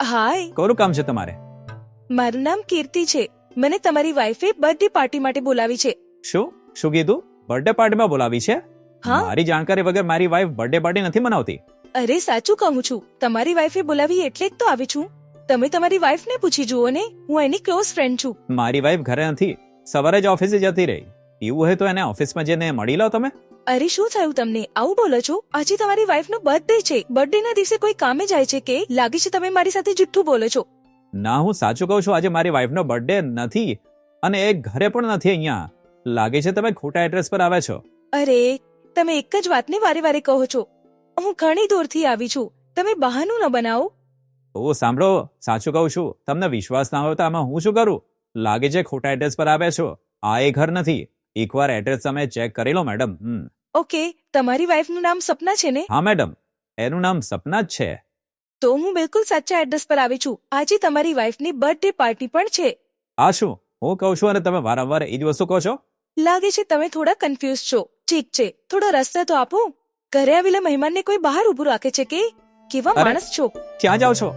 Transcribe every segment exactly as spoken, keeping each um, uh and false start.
હાય, કોનું કામ છે તમારે? મારું નામ કીર્તિ છે. મને તમારી વાઈફે બર્થડે પાર્ટી માટે બોલાવી છે. શું શું કીધું? બર્થડે પાર્ટીમાં બોલાવી છે? હા. મારી જાણકારી વગર મારી વાઈફ બર્થડે પાર્ટી નથી મનાવતી. અરે સાચું કહું છું, તમારી વાઈફે બોલાવી એટલે જ તો આવી છું. તમે તમારી વાઈફને પૂછી જુઓ ને, હું એની ક્લોઝ ફ્રેન્ડ છું. મારી વાઈફ ઘરે નથી, સવારે જ ઓફિસે જતી રહી. એવું હોય તો એને ઓફિસમાં જઈને મળી લો તમે. અરે શું થયું તમને, આવું બોલો છો? આજે તમારી વાઈફનો બર્થડે છે. બર્થડે ના દિવસે કોઈ કામે જાય છે કે? લાગે છે તમે મારી સાથે જુઠ્ઠું બોલો છો. ના, હું સાચું કહું છું. આજે મારી વાઈફનો બર્થડે નથી અને એ ઘરે પણ નથી અહીંયા. લાગે છે તમે ખોટા એડ્રેસ પર આવ્યા છો. અરે તમે એક જ વાતને વારે વારે કહો છો. હું ઘણી દૂરથી આવી છું, તમે બહાનું ન બનાવો. ઓ સાંભળો, સાચું કહું છું. તમને વિશ્વાસ ના હોય તો આમાં હું શું કરું? લાગે છે ખોટા એડ્રેસ પર આવ્યા છો. આ એ ઘર નથી. એકવાર એડ્રેસ તમે ચેક કરી લો મેડમ. હમ ઓકે, તમારી વાઈફનું નામ સપના છે ને? હા મેડમ, એનું નામ સપના જ છે. તો હું બિલકુલ સાચા એડ્રેસ પર આવી છું. આજે તમારી વાઈફની બર્થડે પાર્ટી પણ છે. આ શું હું કહું છું અને તમે વારંવાર એ જ વસ્તુ કહો છો? લાગે છે તમે થોડા કન્ફ્યુઝ છો. ઠીક છે, થોડો રસ્તો તો આપો. ઘરે આવેલા મહેમાનને કોઈ બહાર ઉભું રાખે છે કે? કેવા અરે. માણસ છો. ક્યાં જાઓ છો?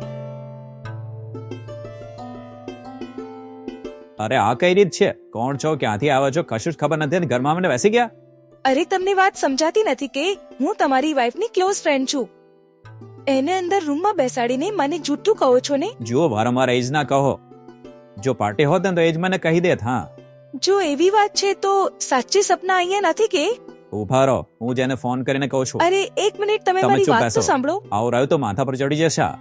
અરે આ કઈ રીત છે? કોણ છો, ક્યાંથી આવ્યા છો, કશું જ ખબર નથી અને ઘરમાં મને બેસી ગયા. અરે તમને વાત સમજાતી નથી કે હું તમારી વાઈફની ક્લોઝ ફ્રેન્ડ છું. એને અંદર રૂમમાં બેસાડીને મને જૂઠું કહો છો ને? જુઓ, વારંવાર એ જ ના કહો. જો પાર્ટી હોત ને તો એ જ મને કહી દેત. હા, જો એવી વાત છે તો સાચી સપના અહીંયા નથી કે? ઉભા રહો, હું જેને ફોન કરીને કહું છું. અરે એક મિનિટ, તમે તમે મારી ચૂપ વાત બેસો. તો સાંભળો. આવું રહ્યું તો માથા પર ચડી જશે આ.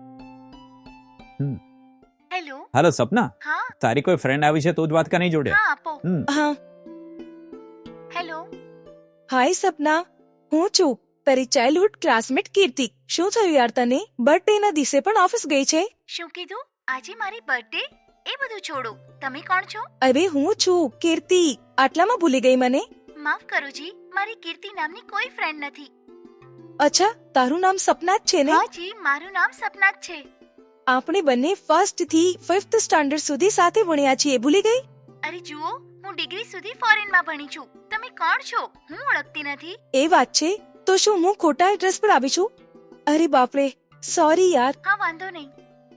હેલો. હેલો સપના, હા તારી કોઈ ફ્રેન્ડ આવી છે તું જ વાત કરી જોડે. હા આપો. હમ હા, હેલો. હાય સપના, હું છું તારી ચાઇલ્ડહુડ ક્લાસમેટ કીર્તિ. શું થયું યાર તને? બર્થડે ના દિવસે પણ ઓફિસ ગઈ છે? શું કીધું? આજે મારી બર્થડે? એ બધું છોડો. તમે કોણ છો? અરે હું છું કીર્તિ. આટલામાં ભૂલી ગઈ મને? માફ કરો જી, મારી કીર્તિ નામની કોઈ ફ્રેન્ડ નથી. અચ્છા, તારું નામ સપના જ છે ને? હા જી, મારું નામ સપના જ છે. આપણે બંને ફર્સ્ટ થી ફિફ્થ સ્ટાન્ડર્ડ સુધી સાથે ભણ્યા છીએ, ભૂલી ગઈ? અરે જુઓ, હું ડિગ્રી સુધી ફોરેનમાં ભણી છું. તમે કોણ છો? હું ઓળખતી નથી. એ વાત છે તો શું હું ખોટા એડ્રેસ પર આવી છું? અરે બાપરે, સોરી યાર. હા વાંધો નહીં.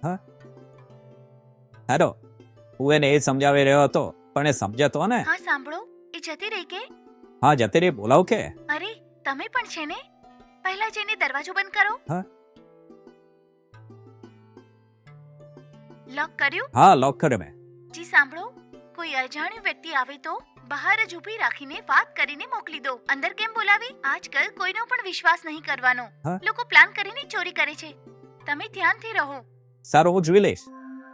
હેલો, હું એને એ સમજાવી રહ્યો હતો પણ એ સમજ્યા તો ને. હા સાંભળો, એ જતી રહી કે? હા જતી રહી, બોલાવ કે. અરે તમે પણ છે ને? પહેલા જઈને દરવાજો બંધ કરો. હા. લોક કર્યું? હા, લોક કર્યો મેં. જી સાંભળો, કોઈ અજાણ્યો વ્યક્તિ આવે તો બહાર જ ઊભી રાખીને વાત કરીને મોકલી દો. અંદર કેમ બોલાવી? આજકાલ કોઈનો પણ વિશ્વાસ નહીં કરવાનો. હા? લોકો પ્લાન કરીને ચોરી કરે છે. તમે ધ્યાનથી રહો. સારું, હું જોઈ લઈશ.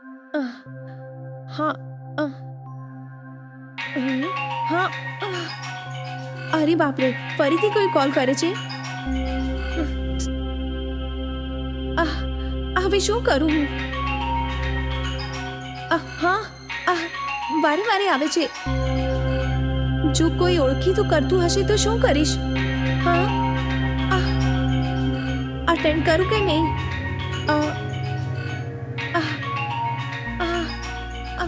હા અ. હમ, હા અ. અરે બાપરે, ફરીથી કોઈ કોલ કરે છે. આહ, હવે શું કરું હું? આહ, હા આહ, વારે વારે આવે છે. જો કોઈ ઓળખીતું કરતું હશે તો શું કરીશ? હા આહ, અટેન્ડ કરું કે નહીં? અ, આહ, આહ, આહ.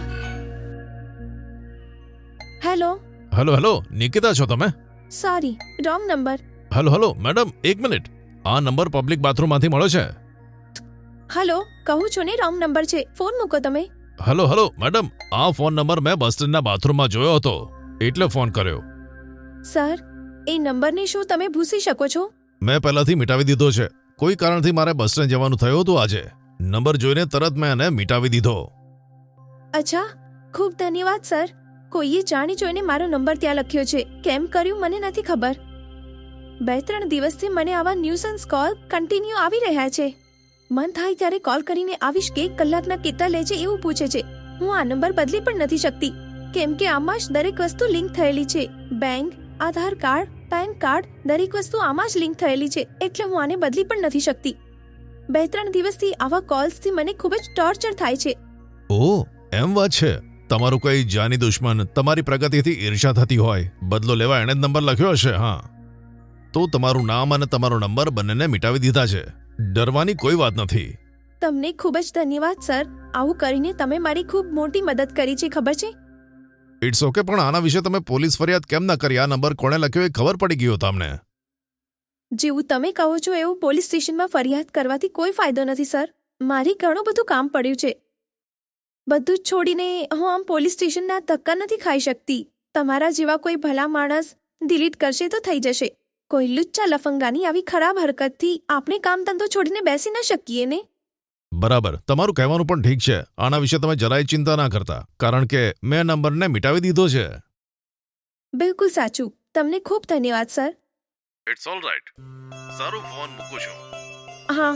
હેલો. હેલો હેલો નિકિતા છો તમે? Sorry, wrong number. Hello hello madam, એક મિનિટ. આ નંબર પબ્લિક બાથરૂમમાંથી મળ્યો છે. હલો, કહું છું ને રોંગ નંબર છે. ફોન મૂકો તમે. હેલો હેલો મેડમ, આ ફોન નંબર મેં બસ સ્ટેન્ડના બાથરૂમમાં જોયો હતો એટલે ફોન કર્યો. સર, એ નંબરને શું તમે ભૂસી શકો છો? મેં પહેલાથી મિટાવી દીધો છે. કોઈ કારણથી મારે બસ સ્ટેન્ડ જવાનું થયું હતું આજે. નંબર જોઈને તરત મેં એને મિટાવી દીધો. અચ્છા, ખૂબ ધન્યવાદ સર. કોઈએ જાણી જોઈને મારો નંબર ત્યાં લખ્યો છે. કેમ કર્યું મને નથી ખબર. બે ત્રણ દિવસથી મને આવા ન્યુસન્સ કોલ કન્ટિન્યુ આવી રહ્યા છે. મન થાય ત્યારે કોલ કરીને આવીશ કે કલાકના કેટલા લે છે એવું પૂછે છે. હું આ નંબર બદલી પણ નથી શકતી કેમ કે આમાં જ દરેક વસ્તુ લિંક થયેલી છે. Bank, Aadhaar card, PAN card, દરેક વસ્તુ આમાં જ લિંક થયેલી છે. એટલે હું આને બદલી પણ નથી શકતી. બે ત્રણ દિવસથી આવા કોલ્સથી મને ખૂબ જ ટોર્ચર થાય છે. ઓ એમ વાત છે. તમારું કોઈ જાની દુશ્મન તમારી પ્રગતિથી ઈર્ષા થતી હોય, બદલો લેવા એણે જ નંબર લખ્યો હશે. હા, તો તમારું નામ અને તમારો નંબર બંનેને મિટાવી દીધા છે. ડરવાની કોઈ વાત નથી. તમને ખૂબ જ ધન્યવાદ સર. આવું કરીને તમે મારી ખૂબ મોટી મદદ કરી છે, ખબર છે? ઇટ્સ ઓકે, પણ આના વિશે તમે પોલીસ ફરિયાદ કેમ ના કરી? આ નંબર કોણે લખ્યો એ ખબર પડી ગયો તમને. જેવું તમે કહો છો એવું પોલીસ સ્ટેશનમાં ફરિયાદ કરવાથી કોઈ ફાયદો નથી સર. મારી ઘણું બધું કામ પડ્યું છે. બધું જ છોડીને હું આમ પોલીસ સ્ટેશનના ધક્કા નથી ખાઈ શકતી. તમારા જેવા કોઈ ભલા માણસ ડિલીટ કરશે તો થઈ જશે. કોઈ લુચ્ચા લફંગાની આવી ખરાબ હરકતથી આપણે કામ ધંધો છોડીને બેસી ન શકીએ ને. બરાબર, તમારું કહેવાનું પણ ઠીક છે. આના વિશે તમે જરાય ચિંતા ના કરતા, કારણ કે મેં નંબરને મિટાવી દીધો છે. બિલકુલ સાચું. તમને ખૂબ ધન્યવાદ સર. It's all right. સારું, ફોન મૂકું છું. હા,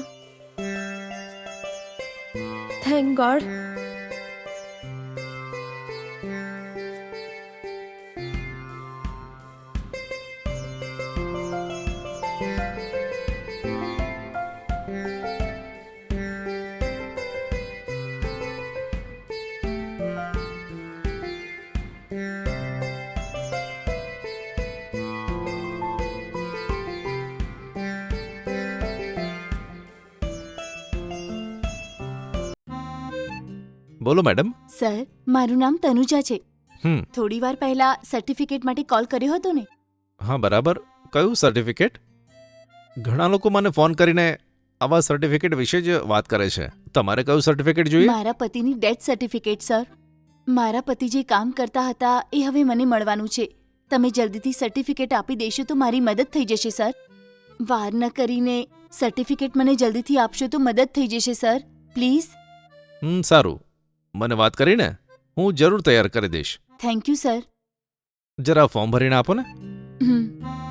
થેન્ક ગોડ. બોલો મેડમ. સર, મારું નામ તનુજા છે. હમ થોડી વાર પહેલા સર્ટિફિકેટ માટે કોલ કર્યો હતો ને? હા બરાબર. કયું સર્ટિફિકેટ? ઘણા લોકો મને ફોન કરીને આવા સર્ટિફિકેટ વિશે જ વાત કરે છે. તમારે કયું સર્ટિફિકેટ જોઈએ? મારા પતિની ડેથ સર્ટિફિકેટ સર. મારા પતિ જે કામ કરતા હતા એ હવે મને મળવાનું છે. તમે જલ્દીથી સર્ટિફિકેટ આપી દેશો તો મારી મદદ થઈ જશે સર. વાર ન કરીને સર્ટિફિકેટ મને જલ્દીથી આપશો તો મદદ થઈ જશે સર, પ્લીઝ. હમ સારું, મને વાત કરીને હું જરૂર તૈયાર કરી દઈશ. Thank you sir. જરા ફોર્મ ભરીને આપો ને. હમ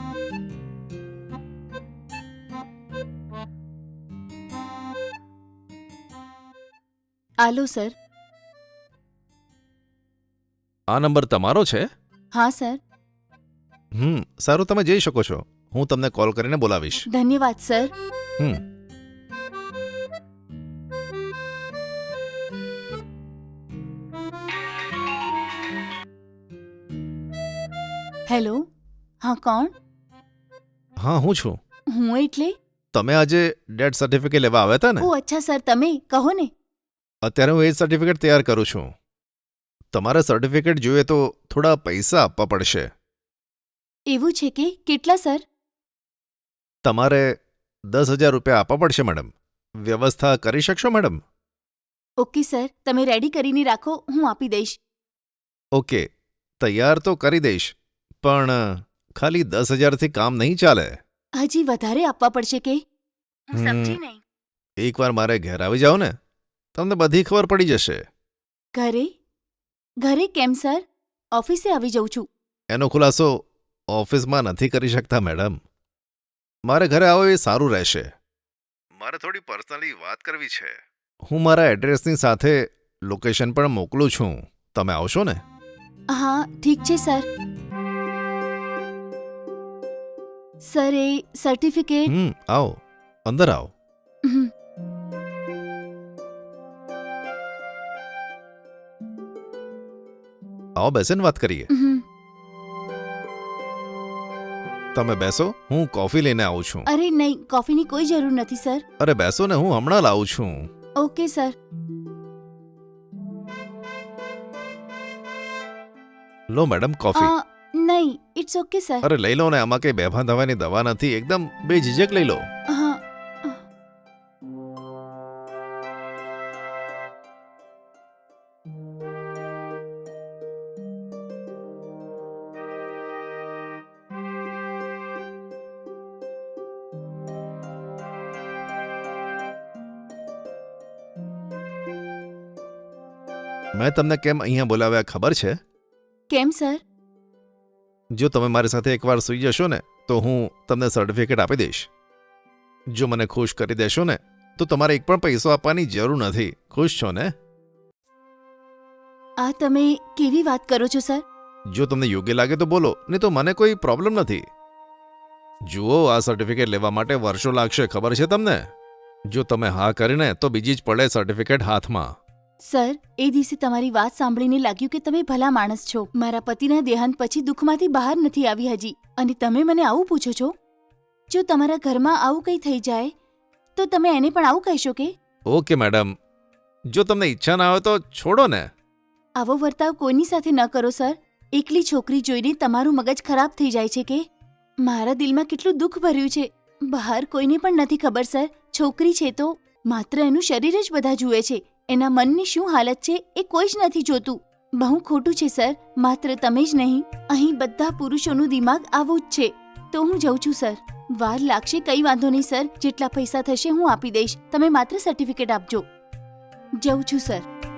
આલો સર. આ નંબર તમારો છે? હા સર. હમ સારું, તમે જઈ શકો છો. હું તમને કોલ કરીને બોલાવીશ. ધન્યવાદ સર. હમ હેલો. હા, કોણ? હા, હું છું. હું એટલે? તમે આજે ડેથ સર્ટિફિકેટ લેવા આવ્યા હતા ને? ઓ અચ્છા સર, તમે કહો ને. અત્યારે હું એ જ સર્ટિફિકેટ તૈયાર કરું છું. તમારે સર્ટિફિકેટ જોઈએ તો થોડા પૈસા આપવા પડશે. એવું છે કે કેટલા સર? તમારે દસ હજાર રૂપિયા આપવા પડશે મેડમ. વ્યવસ્થા કરી શકશો મેડમ? ઓકે સર, તમે રેડી કરીને રાખો, હું આપી દઈશ. ઓકે, તૈયાર તો કરી દઈશ, પણ ખાલી દસ હજારથી કામ નહીં ચાલે. હજી વધારે આપવા પડશે કે? હું હમ. સમજી નહીં. એકવાર મારે ઘેર આવી જાઓ ને, તમને બધી ખબર પડી જશે. ઘરે? ઘરે કેમ સર? ઓફિસે આવી જાઉં છું. એનો ખુલાસો ઓફિસમાં નથી કરી શકતા મેડમ. મારે ઘરે આવો એ સારું રહેશે. મારે થોડી પર્સનલી વાત કરવી છે. હું મારા એડ્રેસની સાથે લોકેશન પણ મોકલું છું. તમે આવશો ને? હા ઠીક છે સર. સર, એ સર્ટિફિકેટ. હમ આવો, અંદર આવો. હમ. આવો, બેસીને વાત કરીએ. હમ. તમે બેસો, હું કોફી લઈને આવું છું. અરે નહીં, કોફીની કોઈ જરૂર નથી સર. અરે બેસો ને, હું હમણાં લાવું છું. Okay sir. લો મેડમ કોફી. અ, નહીં, ઇટ્સ ઓકે સર. અરે લઈ લો ને, આમાં કઈ બેભાન થવાની દવા નથી. એકદમ બેઝિઝક લઈ લો. હા. મેં તમને કેમ અહીંયા બોલાવ્યા ખબર છે? કેમ સર? જો તમે મારી સાથે એકવાર સૂઈ જશો ને તો હું તમને સર્ટિફિકેટ આપી દઈશ. જો મને ખુશ કરી દેશો ને તો તમારે એક પણ પૈસો આપવાની જરૂર નથી. ખુશ છો ને? આ તમે કેવી વાત કરો છો સર? જો તમને યોગ્ય લાગે તો બોલો, નહીં તો મને કોઈ પ્રોબ્લેમ નથી. જુઓ, આ સર્ટિફિકેટ લેવા માટે વર્ષો લાગશે, ખબર છે તમને? જો તમે હા કરીને તો બીજી જ પડે સર્ટિફિકેટ હાથમાં. સર, એ દિવસે તમારી વાત સાંભળીને લાગ્યું કે તમે ભલા માણસ છો. મારા પતિના દેહાંત પછી દુઃખમાંથી બહાર નથી આવી હજી, અને તમે મને આવું પૂછો છો? જો તમારા ઘરમાં આવું કંઈ થઈ જાય તો તમે એને પણ આવું કહેશો કે? ઓકે મેડમ, જો તમને ઈચ્છા ના હોય તો છોડો ને. આવો વર્તાવ કોઈની સાથે ન કરો સર. એકલી છોકરી જોઈને તમારું મગજ ખરાબ થઈ જાય છે કે? મારા દિલમાં કેટલું દુઃખ ભર્યું છે, બહાર કોઈને પણ નથી ખબર સર. છોકરી છે તો માત્ર એનું શરીર જ બધા જુએ છે, એના મનની શું હાલત છે એ કોઈ જ નથી જોતું. બહુ ખોટું છે સર. માત્ર તમે જ નહીં, અહીં બધા પુરુષોનું દિમાગ આવું જ છે. તો હું જઉં છું સર. વાર લાગશે કઈ વાંધો નહીં સર, જેટલા પૈસા થશે હું આપી દઈશ. તમે માત્ર સર્ટિફિકેટ આપજો. જઉં છું સર.